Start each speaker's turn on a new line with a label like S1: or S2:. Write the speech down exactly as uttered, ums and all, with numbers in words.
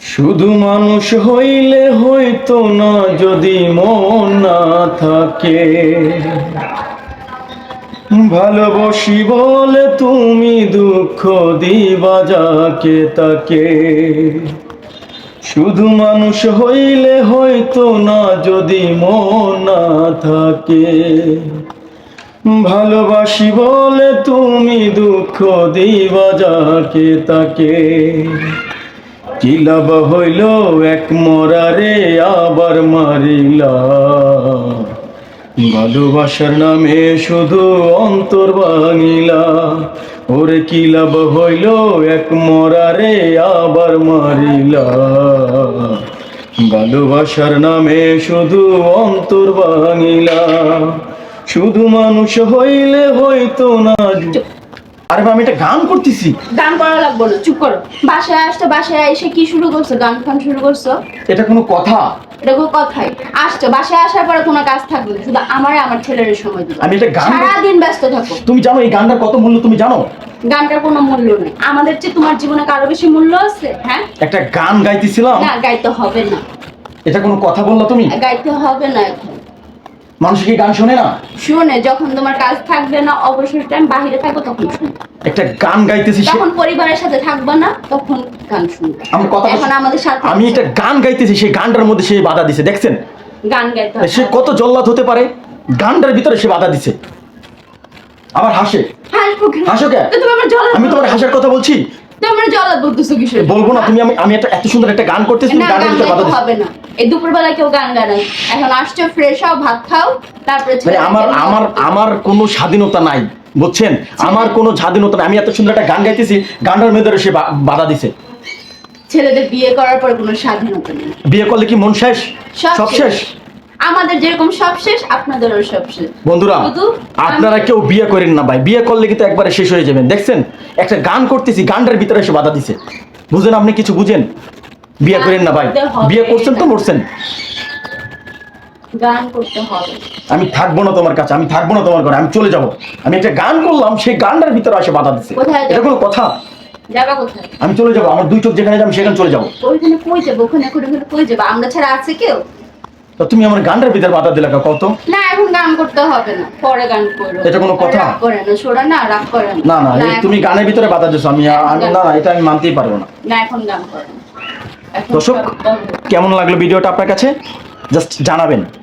S1: শুধু মানুষ হইলে হইতো না যদি মন না থাকে। ভালোবাসি বলে তুমি দুঃখ দিবা যাকে তাকে। শুধু মানুষ হইলে হইতো না যদি মন না থাকে। ভালোবাসি বলে তুমি দুঃখ দিবা যাকে তাকে। কি লাভ হইল এক মরারে আবার মারিলা। ভালোবাসার নামে শুধু অন্তর ভাঙিলা। ওরে কি লাভ হইল এক মরারে আবার মারিলা। ভালোবাসার নামে শুধু অন্তর ভাঙিলা। শুধু মানুষ হইলে হইতো না। আরে আমি একটা গান করতেছি।
S2: গান করা লাগবে না, চুপ করো। বাসায় আসতে বাসায় এসে কি শুরু করছো? গান ফান শুরু করছো?
S1: এটা কোনো কথা?
S2: এটা কোনো কথাই? আসছো, বাসায় আসার পরে কোনো কাজ থাকবে না, শুধু আমারে আমার ছেলের সময় দিবে।
S1: আমি একটা গান,
S2: সারাদিন ব্যস্ত থাকো।
S1: তুমি জানো এই গানটার কত মূল্য? তুমি জানো
S2: গানটার কোনো মূল্য নেই। আমাদের চেয়ে তোমার জীবনে কারো বেশি মূল্য আছে? হ্যাঁ,
S1: একটা গান গাইতেছিলাম।
S2: না, গাইতে হবে না।
S1: এটা কোনো কথা বললা তুমি?
S2: গাইতে হবে না। এখন
S1: মানুষ কি গান শোনে না?
S2: শুনে, যখন তোমার কাজ থাকবে না, অবসর টাইম বাহিরে থাকো, তখন শুনবে।
S1: একটা গান গাইতেছি,
S2: যখন পরিবারের সাথে থাকবে না, তখন গান শুনবে।
S1: আমার কথা,
S2: এখন আমাদের সাথে
S1: আমি একটা গান গাইতেছি, সেই গানটার মধ্যে সে বাধা দিছে। দেখছেন
S2: গান গাইতে হবে।
S1: সে কত জল্লাদ হতে পারে? গানটার ভিতরে সে বাধা দিছে, আবার হাসে।
S2: হাসবো কেন?
S1: হাসো কেন?
S2: তো তুমি আমার জলাদ
S1: আমি তোমার হাসার কথা বলছি।
S2: তোমার জলাদ বলতেছো কিসের?
S1: বলবো না তুমি। আমি আমি একটা এত সুন্দর একটা গান করতেছি, তুমি
S2: না,
S1: গানের
S2: গান
S1: ভিতরে বাধা
S2: গাইতে
S1: দিছো।
S2: হবে না। এই দুপুরবেলা কেউ গান গায় না। এখন আসছো, ফ্রেশ হও, ভাত খাও, তারপরে
S1: মানে আমার আমার আমার কোনো স্বাধীনতা নাই, বুঝছেন? আমার কোনো স্বাধীনতা নাই। আমি এত সুন্দর একটা গান গাইতেছি, গানটার ভিতরে সে বা- বাধা দিছে।
S2: ছেলেদের বিয়ে করার পর কোনো স্বাধীনতা নেই।
S1: বিয়ে করলে কি মন শেষ? সব শেষ।
S2: আমাদের যেরকম সব শেষ, আপনাদেরও সব শেষ।
S1: বন্ধুরা,
S2: শুধু
S1: আপনারা কেউ বিয়ে করেন না ভাই। বিয়ে করলে কিন্তু একবারে শেষ হয়ে যাবেন। দেখছেন একটা গান করতেছি, গানটার ভিতরে এসে বাধা দিছে। বুঝেন? আপনি কিছু বুঝেন? বিয়ে করেন না ভাই। বিয়ে করছেন তো মরছেন।
S2: গান করতে হবে।
S1: আমি থাকবো না তোমার কাছে, আমি থাকবো না তোমার ঘরে, আমি চলে যাব। আমি একটা গান করলাম, সেই গানটার ভিতরে এসে বাধা দিছে।
S2: কোথায় যাবে?
S1: এটা কোনো কথা?
S2: যাবা কোথায়?
S1: আমি চলে যাব। আমার দুই চোখ যেখানে যাবো সেখানে চলে যাবো।
S2: ওইখানে কই যাবো? ওখানে করে ওখানে কই যাবো? আমরা ছাড়া আছে কেউ?
S1: তো তুমি আমার গানটার ভিতরে বাধা দিলা কত?
S2: না, এখন গান করতে হবে না, পরে গান করো।
S1: এটা কোনো কথা?
S2: রাগ করে না, সোরা না, রাগ করে
S1: না না, এই
S2: এখন-
S1: তুমি গানের ভিতরে বাধা দিছো। আমি আমি না না, এটা আমি মানতেই পারবো না।
S2: না, এখন গান করো না। এখন
S1: দর্শক,
S2: সব বন্ধ।
S1: কেমন লাগলো ভিডিওটা আপনার কাছে জাস্ট জানাবেন।